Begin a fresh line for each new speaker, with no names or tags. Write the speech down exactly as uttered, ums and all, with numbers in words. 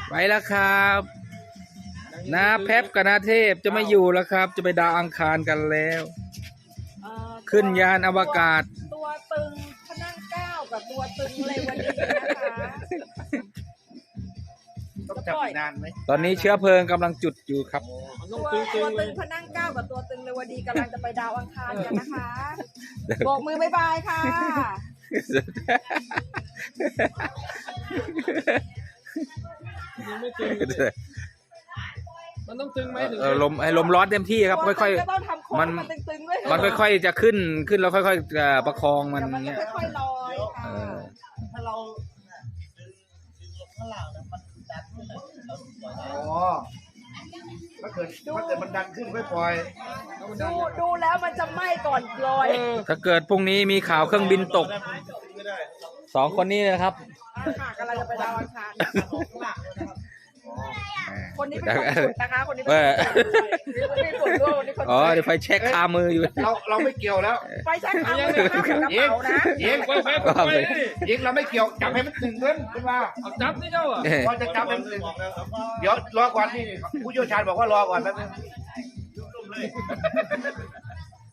ไปแล้วครับนาแพบกับนาเทพจะไม่อยู่แล้วครับ จะไปดาวอังคารกันแล้ว
เอ่อ
ขึ้นยานอวกาศ
ตัวตึงพนังเก้ากับตัวตึงเลวดีนะคะ
ต้องจับนานไหม
ตอนนี้เชื้อเพลิงกำลังจุดอยู่ครับ
ตัวตัวตึงพนังเก้ากับตัวตึงเลวดีกำลังจะไปดาวอังคารกันนะคะโบกมือบายบายค่ะ
ยังไม่ตึงมันต้องตึงไหมถึง
เออลมให้ลมร้อนเต็มที่ครับ ค่อย
ๆก็ต้องทำโค้ง
มัน
มันตึงๆด้วย
ๆ มันค่อยๆจะขึ้นขึ้นแล้วค่อยๆจะประคองมัน
เดี๋ยวมัน
เงี้ย
จะค่อยๆลอย
เอ
ค่ะ
อ
ถ้าเราดึงดึงลงข้างล่างแล้วมันดันขึ้นแล้วเราปล่อยได้
อ๋อถ้าเกิดถ้าเกิดมันดันขึ้นไม่ปล่อย
ดูดูแล้วมันจะไหม้ก่อนลอย
ถ้าเกิดพรุ่งนี้มีข่าวเครื่องบินตกสองคนนี้นะครับ
ค่ะกำลังจะไปดาวอังคาร
ข้างล่างเลยนะครับ
คนนี้เป็นคนสุดนะคะ คนนี้เป็น
เอ
คน
อ
สุดคนนี้เป็นคนร่วมคนนี้คน
อ๋อเดี๋ยวไฟแช็กคามืออยู่
เราเราไม่เกี่ยวแล้ว
ไฟแช็กทำเลยค่ะกระเป๋านะ
ยิง
ไปไปไป
ยิงเราไม่เกี่ยวจับให้มันตึงขึ้นขึ้นมา
เอาจับนี่เจ้าอ่ะ
พอจะจับให้มันตึงเดี๋ยวรอก่อนนี่ผู้เชี่ยวชาญบอกว่ารอก่อนแป๊บนึง